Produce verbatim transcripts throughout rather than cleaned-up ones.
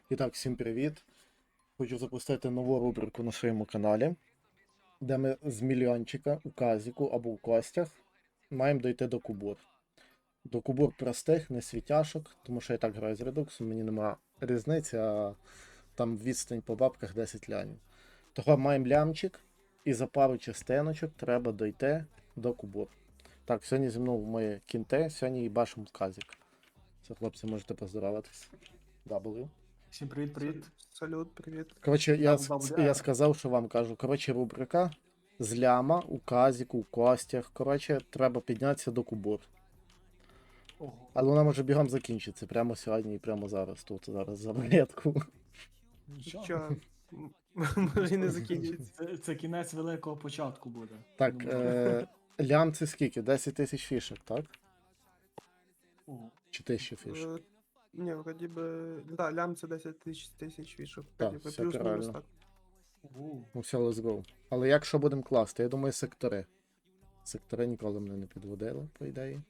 І так, всім привіт! Хочу запустити нову рубрику на своєму каналі, де ми з мільйончика у казіку або у костях маємо дойти до кубур. До кубур простих, не світяшок, тому що я так граю з редуксом, мені нема різниці, а там відстань по бабках десять лянів. Того маємо лямчик, і за пару частиночок треба дойти до кубур. Так, сьогодні зі мною мої кінти, сьогодні їбашимо казік. Все, хлопці, можете поздороватись. W. Всім привіт, привіт. Салют, привіт. Коротше, я, Дабл- дабл я ар. сказав, що вам кажу. Коротше, рубрика з ляма у казіку, у костях. Коротше, треба піднятися до кубур. Ого. Але вона може бігом закінчитися прямо сьогодні і прямо зараз. Тут зараз за рулетку. Нічого. Що? М, Може і не закінчиться. Це, це кінець великого початку буде. Так, Думаю. е, лям це скільки? десять тисяч фішок, так? Ого. Чи тисяча фішок? Е, Ні, вроді би. Да, лям це десять тисяч тисяч вішок. Так, Вроді би все плюс-мінус правильно. так. Ого. Ну все, let's go. Але як що будемо класти? Я думаю, сектори. Сектори ніколи мене не підводили, по ідеї.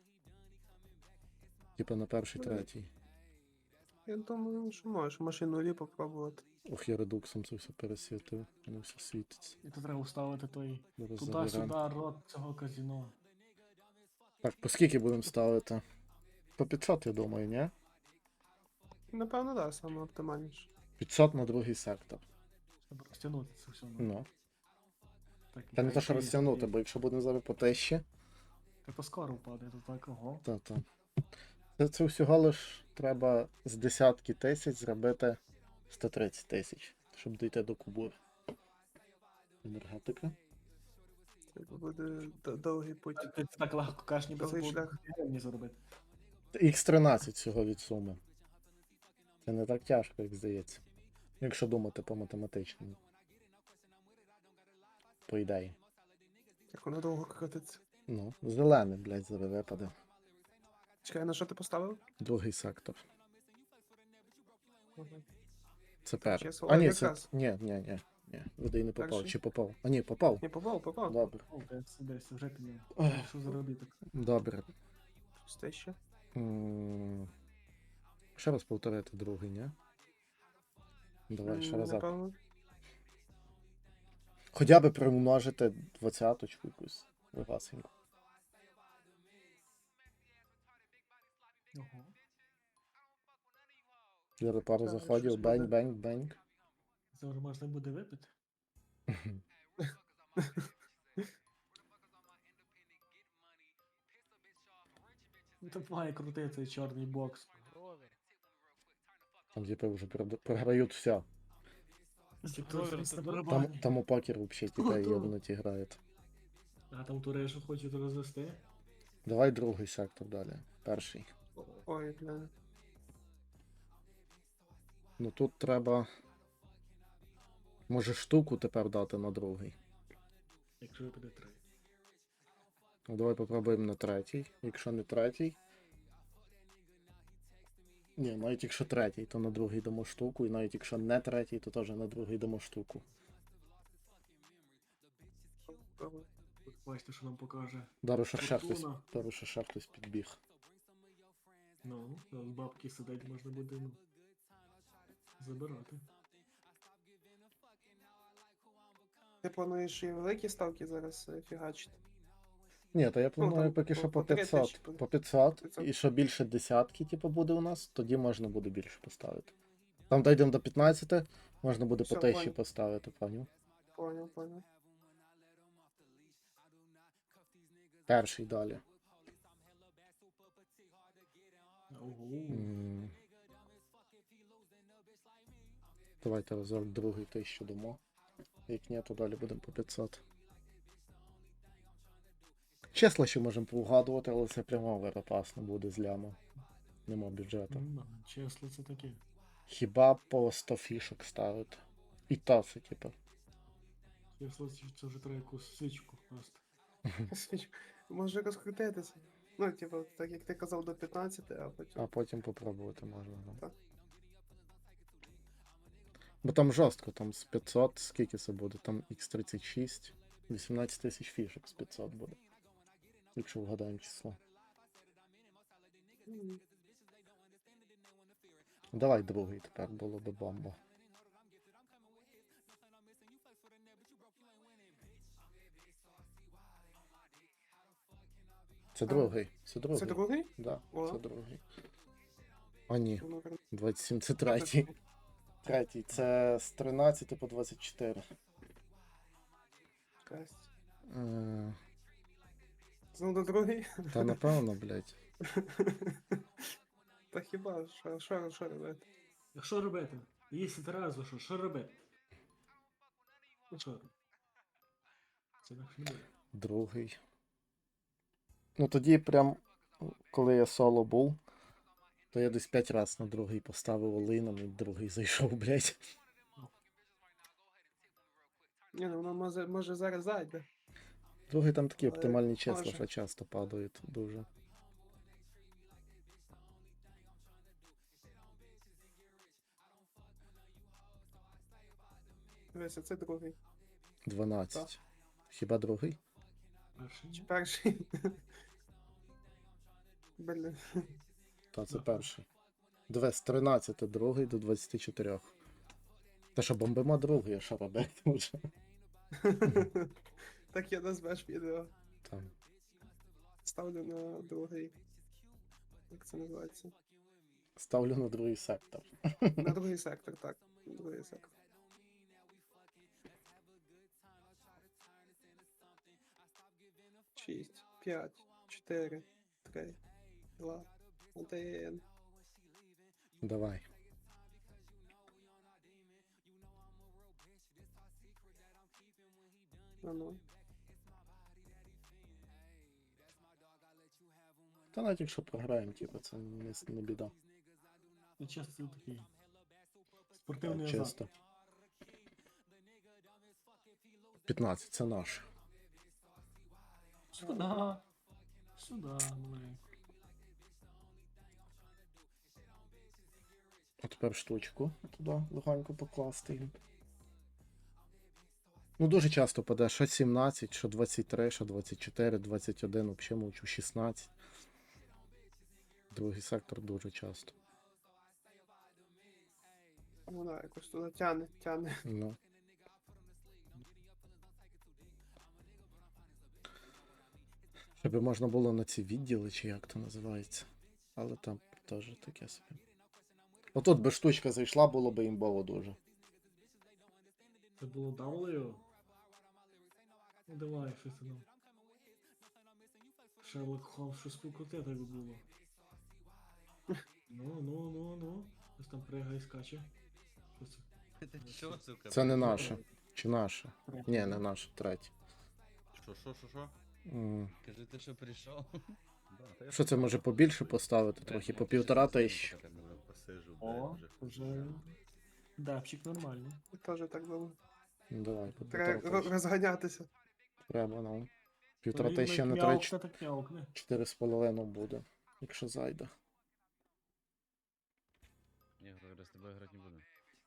Типа на перший, Ну, третій. Я думаю, що можеш машину лі попробувати. Ох, я редуксом це все пересвітив. Воно все світиться. І тут треба вставити той Зараз туди-сюди заберемо. рот цього казіно. Так, по скільки будемо ставити? По п'ятсот, я думаю, ні? Напевно, да, саме оптимальніше. п'ятсот на другий сектор. Щоб розтягнути це все. Ну. Так, Та не і те, що і- розтягнути, і- бо якщо будемо зараз по тисячі, Та то скоро впаде, то так, ого. то то. Це, це всього лиш треба з десятки тисяч зробити сто тридцять тисяч, щоб дійти до кубур. Енергетика. Це буде д- довгий путь. Ти це так легко кажеш, ніби це Довгий було шлях. гривні заробити. ікс тринадцять всього від суми. Це не так тяжко, як здається. Якщо думати по математичному. По ідеї. Як воно довго крутиться. Ну, зелений, блядь, зараз випаде. Чекай, на що ти поставив? Другий сектор. Ага. Це перший. Чесно, А о, ні, це. якраз. Ні, ні, ні, ні. Видай не попав. Перший? Чи попав? А ні, попав. Не попав, попав. Добре. О, десь, десь, вже підняв. Ох. Що заробіток? Добре. Пусте ще. М, Ще раз повторити другий, ні? Давай ще М, раз. Напевно. Хоча би примножити двадцяточку якусь легасеньку. Ого. Зараз пару Так, заходів, щось бень, буде. бень, бень. Це вже можна буде випити. Ну, тут має крутий цей чорний бокс. Там типу вже прод- програють все. Типу, Ровер, щось це на то? Там, барабані. там у покер взагалі типу Ото. єбнуті грають. А там турешу хочуть розвести. Давай другий сектор далі. Перший. Ой, бля. Ну тут треба. Може штуку тепер дати на другий. Якщо випаде три. Ну, давай попробуємо на третій. Якщо не третій. Ні, навіть якщо третій, то на другий дамо штуку. І навіть якщо не третій, то теж на другий дамо штуку. Попробуй. Тут бачите, що нам покаже. Дару ще ще хтось. Фортуна. Дару ще ще хтось підбіг. Ну, з бабки сидить можна буде, ну, забирати. Ти плануєш і великі ставки зараз е, фігачити? Ні, то я планую там поки по- що по по три п'ятсот. тисячі, по- По п'ятсот. п'ятсот. І що більше десятки, типу, буде у нас, тоді можна буде більше поставити. Там дійдемо до п'ятнадцяти, можна буде по Всё, тисячі понял. поставити, поняв? Понял, понял. Перший далі. Ого. М. Давайте разок другий тисячу дамо. Як ні, то далі будемо по п'ятсот. Чесно, що можемо поугадувати, але це прямо веропасно буде з ляма. Нема бюджету. Ну, чесно, це таке. Хіба по сто фішок ставити. І то це, типу. Чесно, це це вже треба якусь свічку просто. Може розкрутитися. Ну, типу, так як ти казав до п'ятнадцяти, а потім. А потім попробувати можна. Да. Так. Бо там жорстко, там з п'ятсот, скільки це буде? Там ікс тридцять шість, вісімнадцять тисяч фішок з п'ятсот буде. Якщо вгадаємо число. М. Давай другий тепер було би бомба. Це А, другий. Це другий. Це другий? Да, О. це другий. А ні, Воно прям- двадцять сім це третій. Третій. Це з тринадцяти по двадцять чотири. Жесть. Е, Знову до другий? Та напевно, блядь. Та хіба, що, що, що робити? А що робити? Якщо Тарасу, що? Що робити? Ну що? Це інакше не буде. Другий. Ну тоді прям, коли я соло був, то я десь п'ять разів на другий поставив олином і другий зайшов, блядь. Ні, ну воно може, може зараз зайде. Другий там такі Але оптимальні числа, може. що часто падають дуже. Дивися, це другий. дванадцять. Хіба другий? Перший. Чи перший? Блін. Та це Ага. перший. Диви, з тринадцяти другий до двадцяти чотирьох. Та що, бомбимо другий, а що робити вже? Так я назвеш відео. Там. Ставлю на другий. Як це називається? Ставлю на другий сектор. На другий сектор, так. На другий сектор. Шість, п'ять, чотири, три, два, один. Давай. А ну. Та навіть якщо програємо, типу, це не, с- не біда. Це часто такий. Спортивний Так, азарт. чисто. п'ятнадцять, це наш. Сюда. Сюда, маленько. А тепер штучку туди легонько покласти їм. Ну, дуже часто паде, що сімнадцять, що двадцять три, що двадцять чотири, двадцять один, взагалі мовчу, шістнадцять. Другий сектор дуже часто. Вона якось туди тяне, тяне. Ну. Щоб можна було на ці відділи, чи як то називається. Але там теж таке собі. Отут би штучка зайшла, було би імбово дуже. Це було W. Ну давай, щось там. Шерлок Холмс, щось покрути так було. Ну, ну, ну, ну. Щось там пригає, скаче. Що це? Ти що, сука? Це не прийшов? наше. Чи наше? Ні, не наше, третє. Що, що, що, що? М. Кажи, ти що прийшов? Да, та я Що це тут може бачу. побільше поставити Блядь, трохи? ну, По ти ще півтора посидиш, тисячі. поки тебе посижу, О, блядь, вже вже. Дапчик нормальний. Теж так думаю. Ну, давай, по півтора Треба ро- тисячі. розганятися. Треба, ну. Півтора Він тисячі як на м'явкне, три, так м'явкне. чотири з половиною буде, якщо зайде. Ні, говорю, з тобою грати не буду.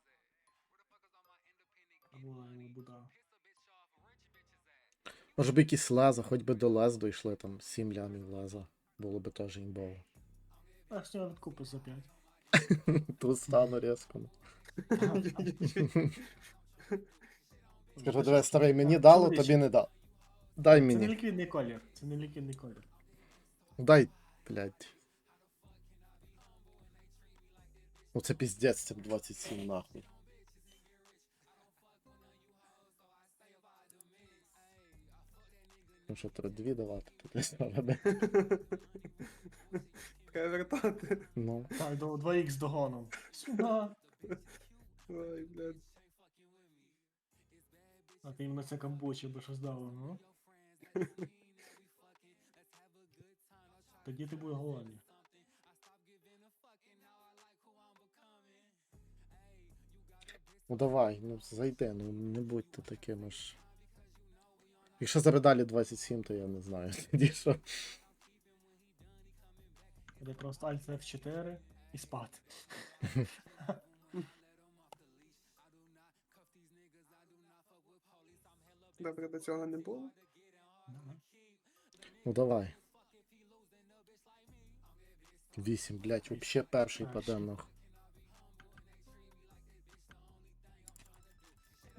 Або Буда. Може би якісь леза, хоч би до лез дійшли, там сім лямів леза. Було би теж імбово. А з нього відкупи за п'ять. Тут стану різко. ну. Ага. Скажу, диви, старий, мені дало, Чоловіче, тобі не дав. Дай Це не мені. ліквідний колір. Це не ліквідний колір. Дай, блядь. Ну це піздець, це двадцять сім нахуй. Ну що, треба дві давати, тут десь треба. Треба вертати. Ну, Так, до два ікс догоном. Сюда. Ой, блядь. А ти іменно це камбучі би щось дало, ну? Тоді ти будеш голодний. ну давай, ну зайди, ну не будьте такими ж. Якщо зараз далі двадцять сім, то я не знаю. Тоді що. Буде просто Alt еф чотири і спати. Добре, до цього не було. Ну давай. вісім, блядь, вообще перший Перший. паде нахуй.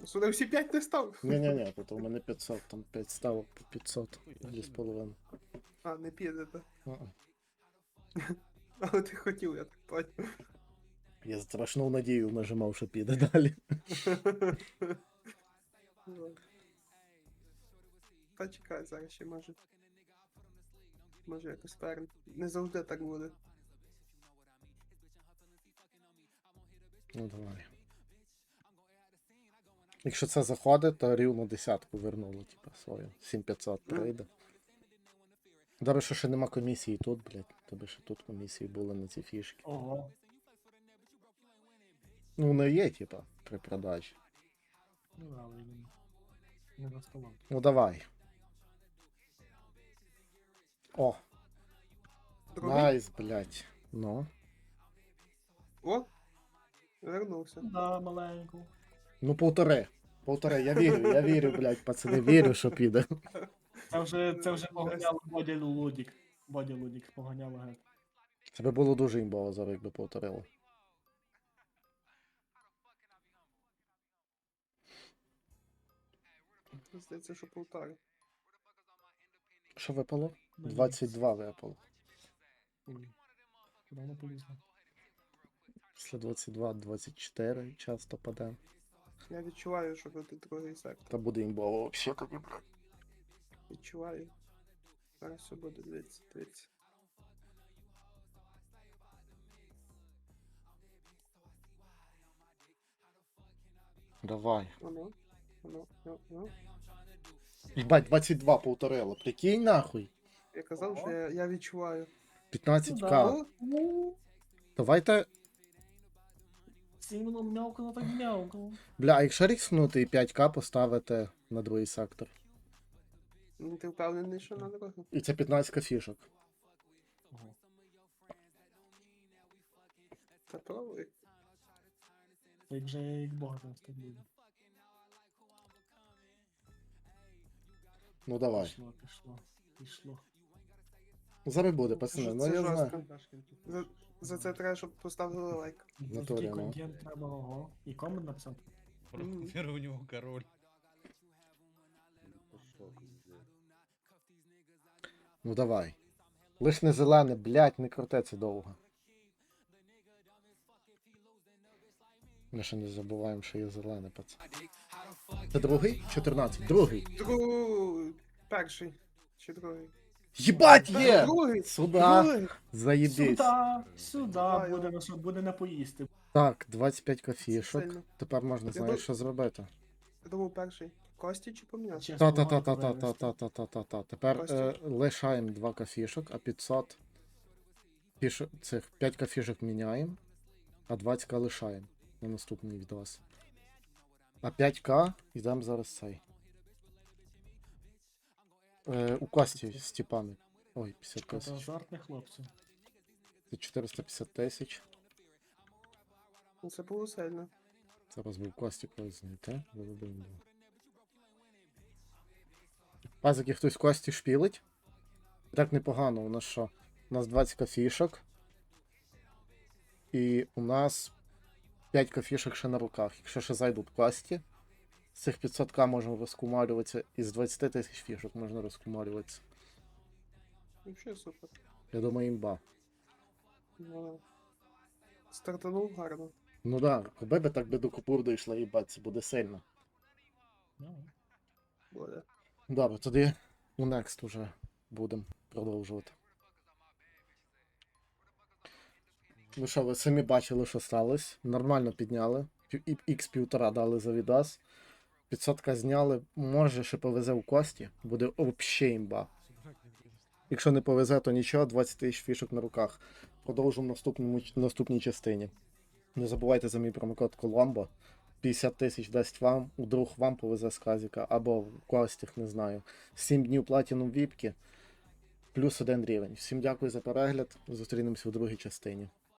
Сюди всі п'ять не став. Ні-ні-ні, тут у мене п'ятсот, там п'ять ставок по п'ятсот, дві з половиною. А, не піде, так. Мгм. Але ти хотів, я так понял. Я страшну надію нажимав, що піде далі. Ну. Та чекай, зараз ще може. Може якось перн. Не завжди так буде. Ну давай. Якщо це заходить, то рівно десятку вернуло, типа, свою. сім п'ятсот прийде. Добре, що ще нема комісії тут, блядь. Тобі ще тут комісії були на ці фішки. Ого. Ну, вони є, типа, при продажі. Ну да, але він не на столом. Ну давай. О, Другий? найс, блядь. Ну. О! Вернувся. Да, маленьку. Ну, полтори. Полтори. Я вірю, я вірю, блядь, пацани, вірю, що піде. Це вже, це вже поганяло Бодя Лудік. Бодя Лудік поганяло геть. Це би було дуже імбово зараз, якби повторило. Здається, що полтора. Що випало? Блін. двадцять два випало. Ой. Куди воно полізло? Після двадцять два двадцять чотири часто паде. Я відчуваю, що буде другий сектор. Та буде імбово взагалі тоді, блядь. Відчуваю. Зараз все буде, дивіться, дивіться. Давай. Воно, воно, воно, воно. Єбать, двадцять два повторило. Прикинь нахуй. Я казав, що я, я відчуваю. п'ятнадцять Ну к. О, ну, Давайте. Сімно м'явкало, так м'явкало. Бля, а якщо рікснути і п'ять к поставити на другий сектор. ну, ти впевнений, що на дорогу? І це п'ятнадцять к фішок. Ого. Та пробуй. Як вже як Бога там так буде. Ну давай. Пішло, пішло, пішло. Зараз буде, пацани. Що Ну це я знаю. жорстко. За, за це треба, щоб поставили лайк. За Натурі, такий ну. контент треба, ого. І комент написати. Первый у него король. Пошел, пиздец. Ну давай. Лиш не зелене, блядь, не крути це довго. Ми ще не забуваємо, що є зелене, пацан. Це другий? чотирнадцять. Другий. Другий. Перший. Чи другий? Єбать є! Другий. Сюда. Другий. Заєбісь. Сюда, сюди, Давай, буде йо. на що, буде на поїсти. Так, двадцять п'ять кофішок. Сильно. Тепер можна, знаєш, думав- що зробити. Я думав перший. Кості чи пом'ясо? Чесно, вивести. Та-та-та-та-та-та-та-та-та. Тепер Костя. е, лишаємо два кофішок, а п'ятсот фішок, цих п'ять кофішок міняємо, а двадцять к лишаємо на наступний відос. А п'ять к йдемо зараз цей. Е, у Кості з тіпами. Ой, п'ятдесят Це тисяч. азартних хлопців. Це чотириста п'ятдесят тисяч. Ну, це було сильно. Зараз би в Кості когось знайти. Виведемо. Пазики хтось в Кості шпілить. Так непогано, у нас що? У нас двадцять кофішок. І у нас п'ять кофішок ще на руках. Якщо ще зайдуть Кості, з цих п'ятсот к можна розкумарюватися, і з двадцять тисяч фішок можна розкумарюватися. Взагалі супер. Я думаю, імба. Ну, стартанув гарно. Ну да, коли би так би до купур дійшла, їбать, це буде сильно. Ну, Буде. Добре, тоді у Next уже будемо продовжувати. Ну що, ви самі бачили, що сталося. Нормально підняли. ікс півтора дали за відос. п'ятсот к зняли. Може, ще повезе у Кості. Буде взагалі імба. Якщо не повезе, то нічого, двадцять тисяч фішок на руках. Продовжимо в наступному, наступній частині. Не забувайте за мій промокод Коломбо. п'ятдесят тисяч дасть вам, у друг вам повезе з казіка, або в Костях, не знаю. сім днів платіном віпки, плюс один рівень. Всім дякую за перегляд. Зустрінемося у другій частині.